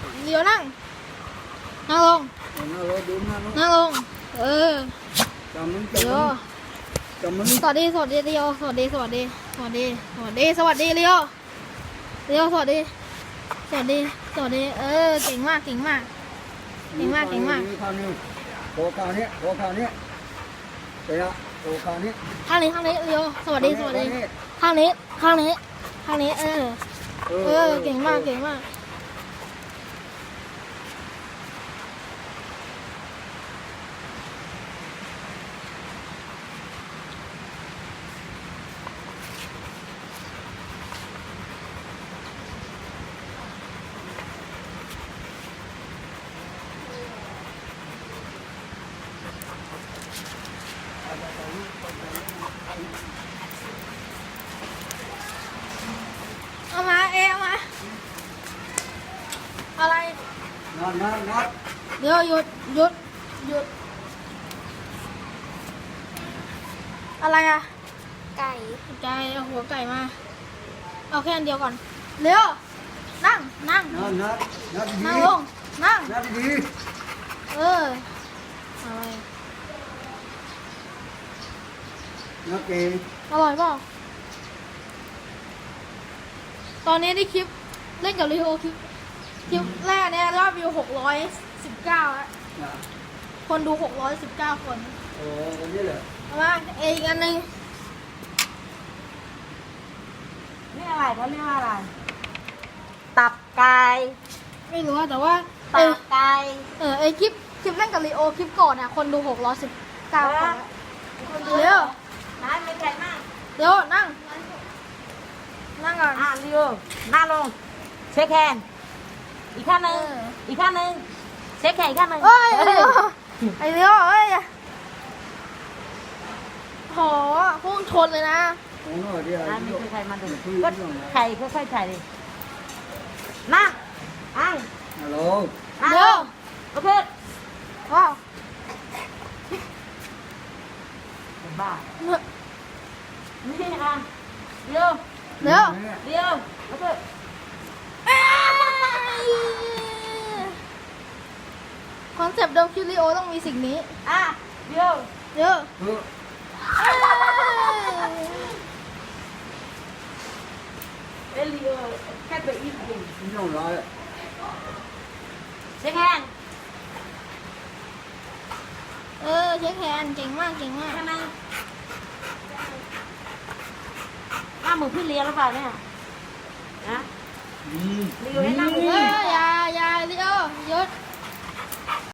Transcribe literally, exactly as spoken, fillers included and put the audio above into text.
เดี๋ยวนั่งนั่งลงนั่งลงดูนั่งลงนั่งลงเออจำมึงเดี๋ยวจำมึงสวัสดีสวัสดีเรียวสวัสดีสวัสดีสวัสดีสวัสดีสวัสดีเรียวเรียวสวัสดีสวัสดีสวัสดีเออเก่งมากเก่งมากเก่งมากเก่งมากข้าวนี้โตข้าวนี้โตข้าวนี้ไปละโตข้าวนี้ข้างนี้ข้างนี้เรียวสวัสดีสวัสดีข้างนี้ข้างนี้ข้างนี้เออเออเก่งมากเก่งมากเอามาเอเอามาอะไรนอนนอนนอนเดี๋ยวหยุดหยุดหยุดอะไรอะไก่ไก่เอาหัวไก่มาเอาแค่อันเดียวก่อนเร็วนั่งนั่งนอนนอนนอนดีนั่งลงนั่งนอนดีเอออะไรนอนเก่งอร่อยเปล่าตอนนี้ได้คลิปเล่นกับลีโอคลิปคลิปแรกเนี่ยยอดวิวหกร้อยสิบเก้าแล้วคนดูหกร้อยสิบเก้าคนโอ้คนนี้เหรอเอามาเออีกอันหนึ่งนี่อะไรเขาเรียกว่าอะไร ตับไก่ไม่รู้อะแต่ว่าเอตัอบไก่เออไอคลิปคลิปเล่นกับลีโอคลิปก่อนเนี่ยคนดูหกร้อยสิบเก้าคนแล้วเร็วน้ำไม่ไก่มากเดี๋ยวนั่ง นั่งก่อนอ่ะเรียวหน้าลง เช็คแฮนด์อีกข้างหนึ่งเอออีกข้างหนึ่งเช็คแฮนด์อีกข้างหนึ่งเอ้ยไอเดียวไอเดียวเอ้ยโหพุ่งชนเลยนะโอ้โหเดี๋ยวอ่ะมีใครมาดูก็ไข่ค่อยๆไข่ดินั่งอังฮัลโหลนั่งเดี๋ลยวงโอเคว้าวเป็นบ้านี่อ่ะเรียวเดี๋ยวเรียวโอเคคอนเซปต์เดิมคิวริโอต้องมีสิ่งนี้อ่ะเรียวเดี๋ยวเออเอลิโอแค่ไปอีกทีไม่ต้องร้อยเช็คแฮนด์เออเช็คแฮนด์เก่งมากเก่งมากใช่ไหมหน้ามือพี่เลี้ยงหรือเปล่าเนี่ยนะอืมรีวิวให้หน้า